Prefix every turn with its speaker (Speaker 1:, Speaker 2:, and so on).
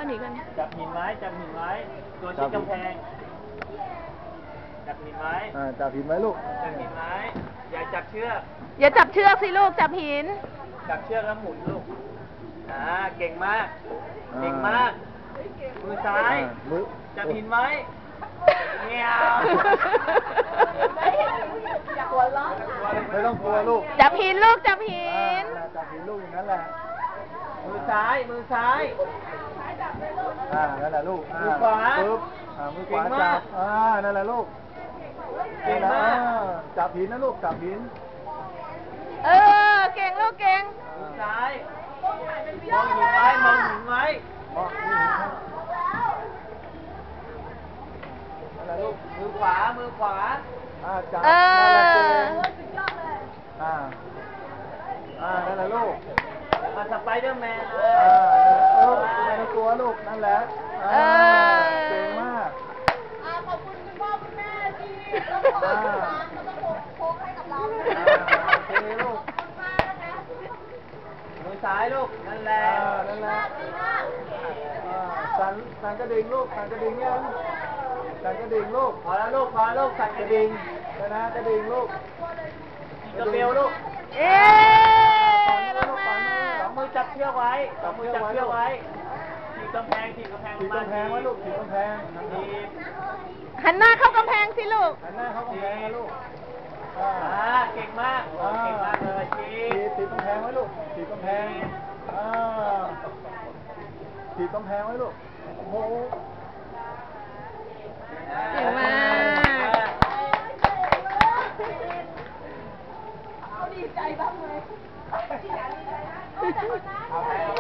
Speaker 1: หนีกัน
Speaker 2: จับหินไว้จับหินไว้ตัวชิดกำแพงจับหินไว้
Speaker 3: จับหินไว้ลูก
Speaker 2: จับหินไว้อย่าจับเชือก
Speaker 1: อย่าจับเชือกสิลูกจับหิน
Speaker 2: จับเชือกแล้วหมุนลูกเก่งมากเก่งมากมือซ้ายจับหินไว้เงี้ยว
Speaker 3: ไม่ต้องกลัวลูก
Speaker 1: จับหินลูกจับหิน
Speaker 3: จับหินลูกอย่างนั้นแหละ
Speaker 2: มือซ้ายมือซ้าย
Speaker 3: นั่นแหละลูก
Speaker 2: มือขวา
Speaker 3: ปึ๊บมือขวาจับนั่นแหละลูก
Speaker 2: เก่งมาก
Speaker 3: จับหินนะลูกจับหิน
Speaker 1: เก่งลูกเก่ง
Speaker 2: มือซ้ายมองหินไว้มองหินไว้นั่นแหละลูกมือขวามือขวา
Speaker 3: จับนั่นแหละเก่งนั่นแหละลูก
Speaker 2: สไปเดอร์แมน
Speaker 3: ไม่ต้องกลัวลูกนั่นแหละเก่งมาก
Speaker 4: ขอบคุณคุณพ่อคุณแม่ที่ต้องขอโค้งให้กับเรา
Speaker 3: โอเคลูก
Speaker 2: มือซ้ายลูกนั่นแหละ
Speaker 3: นั่นแหละสั่นกระดิ่งลูกสั่นกระดิ่งยังสั่นกระดิ่งลูก
Speaker 2: พอแล้วลูกพอลูกสั่นกระดิ่ง
Speaker 3: นะกระดิ่งลูก
Speaker 2: กระเบลลูก
Speaker 1: ลงมา
Speaker 2: สองมือจับเชือกไว้สองมือจับเชือกไว้ถีบกำแพงถีบกำแพง
Speaker 3: ถีบกำแพงไว้ลูกถีบกำแพง
Speaker 1: หันหน้าเข้ากำแพงสิลูก
Speaker 3: หันหน้าเข้ากำแพงลูก
Speaker 2: เก่งมากเก่งมากเลย
Speaker 3: ถีบกำแพงไว้ลูกถีบกำแพงถีบกำแพงไว้ลูกโอ้โห
Speaker 1: เก่งมาก
Speaker 4: ดีใจบ้างไหม